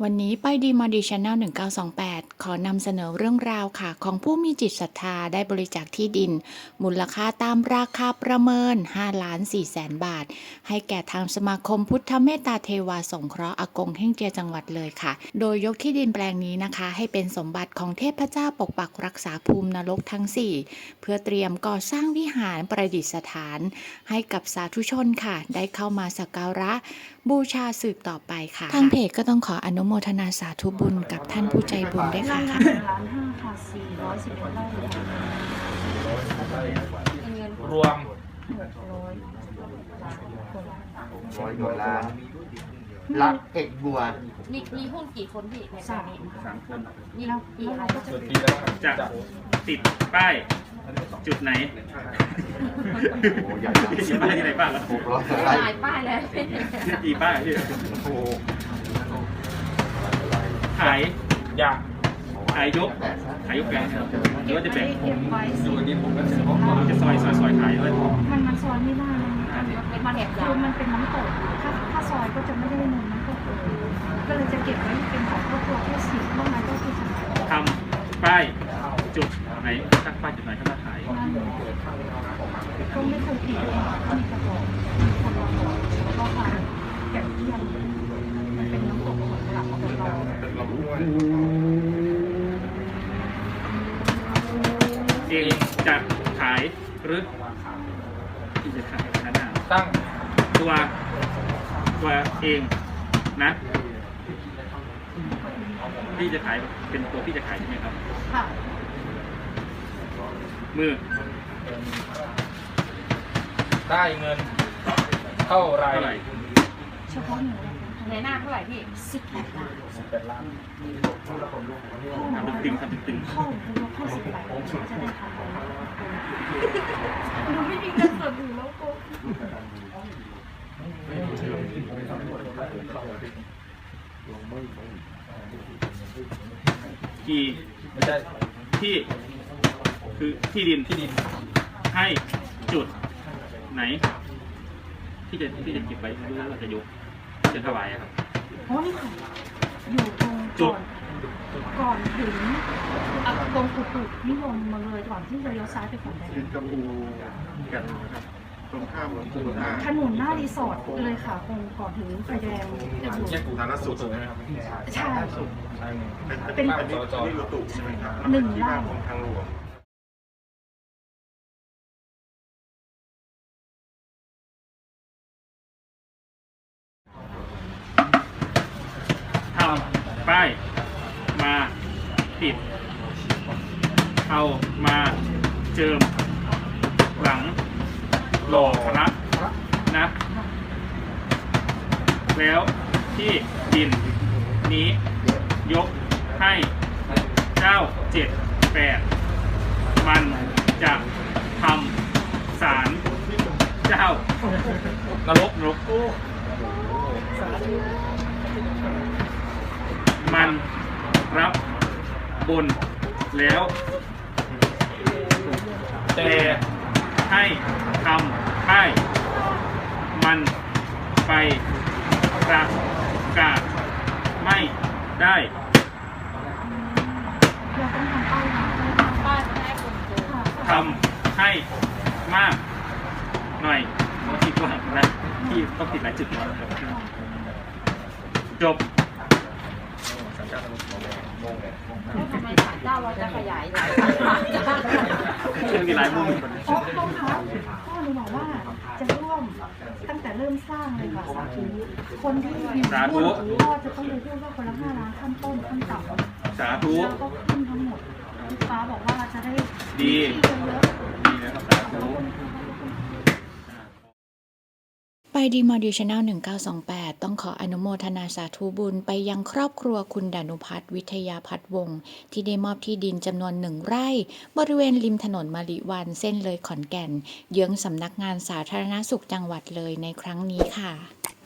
วันนี้ไปดีมอดีชแนล1928ขอนำเสนอเรื่องราวค่ะของผู้มีจิตศรัทธาได้บริจาคที่ดินมูลค่าตามราคาประเมิน5,400,000 บาทให้แก่ทางสมาคมพุทธเมตตาเทวาสงเคราะห์อากงเฮ่งเจียจังหวัดเลยค่ะโดยยกที่ดินแปลงนี้นะคะให้เป็นสมบัติของเทพเจ้าปกปักรักษาภูมินรกทั้ง4เพื่อเตรียมก่อสร้างวิหารประดิษฐานให้กับสาธุชนค่ะได้เข้ามาสักการะบูชาสืบต่อไปค่ะทางเพจก็ต้องขออนุโมทนาสาธุบุญกับท่านผู้ใจบุญด้วยค่ะ 1,500,000ค่ะ411ไร่เงินรวม 600 100 กว่าล้านรักเอกบัวมีหุ้นกี่คนพี่ในแปลงนี้ 3 คนมีกี่รายก็จะส่วนที่แล้วจะติดป้ายจุดไหนโอ้ใหญ่ติดป้ายที่ไหนบ้างครับ 600 ไร่หลายป้ายเลยกี่ป้ายพี่โอ้ขายยาขายยกขายยกแปลงครับหรือว่าจะแบ่งเก็บไว้สิจะซอยขายด้วยมันซอยไม่ได้มันแหกคือมันเป็นน้ำตกถ้าซอยก็จะไม่ได้เงินน้ำตกเลยก็เลยจะเก็บไว้เป็นของครอบครัวแค่10นอกนั้นก็คือทำป้ายจุดไหนตั้งป้ายจุดไหนถ้ามาขายก็ไม่เคยติดเลยมีกระบอกแล้วก็ขายแกะเทียมมันเป็นน้ำตกของหลักของเราเองจะขายหรือที่จะขายนั้นตั้งตัวเองนะพี่จะขายเป็นตัวพี่จะขายใช่ไหมครับค่ะมือได้เงินเท่าไรเท่าไหร่เฉพาะหนูในหน้าเท่าไหร่พี่18 ล้าน 18 ล้านทำตึงๆทำตึงเข้าหรือยกให้10 ล้านจะได้ทำอะไรหนูไม่มีเงินสดอยู่แล้วกูๆกี่ไม่ใช่ที่คือที่ดินให้จุดไหน ที่จะเก็บไว้หรือเราจะยกจะถวายอะครับเพราะนี่ค่ะอยู่ตรงจุดก่อนถึงตรงกุฎนิยมมาเลยก่อนที่จะเลี้ยวซ้ายไปฝั่งแดงกระปูกันนะครับตรงข้ามของปูนาถนนหน้ารีสอร์ทเลยค่ะตรงก่อนถึงไฟแดงจะอยู่แยกปูนาสุดใช่ไหมครับใช่เป็นเป็นบ้านจจนี่รถตู้ใช่ไหมครับ 1 ไร่ของทางหลวงทำป้ายมาติดเอามาเจิมหลังหล่อพระนะ แล้วที่ดินนี้ยกให้เจ้า78มันจะทำศาลเจ้านรกมันรับบนแล้วแต่ให้ทำให้มันไปประกาศไม่ได้เราต้องทำป้ายนะป้ายไม่ได้คนโกงทำให้มากหน่อยคิดว่านะที่ต้องติดหลายจุดจบทำไมศาลเจ้าเราจะขยายหลายมีหลายมุมเพราะต้องคะพ่อหนูบอกว่าจะร่วมตั้งแต่เริ่มสร้างเลยค่ะสาธุคนที่มีหุ้นก็จะต้องไปร่วมว่าคนละ5 ล้านขั้นต้นขั้นต่ำสาธุแล้วก็ขึ้นทั้งหมดลูกค้าบอกว่าจะได้ดีที่เยอะดีนะครับสาธุไปดีมอดีชแนล1928ต้องขออนุโมทนาสาธุบุญไปยังครอบครัวคุณดานุพัฒน์วิทยาพัฒน์วงศ์ที่ได้มอบที่ดินจำนวน1 ไร่บริเวณริมถนนมะลิวันเส้นเลยขอนแก่นเยื้องสำนักงานสาธารณสุขจังหวัดเลยในครั้งนี้ค่ะ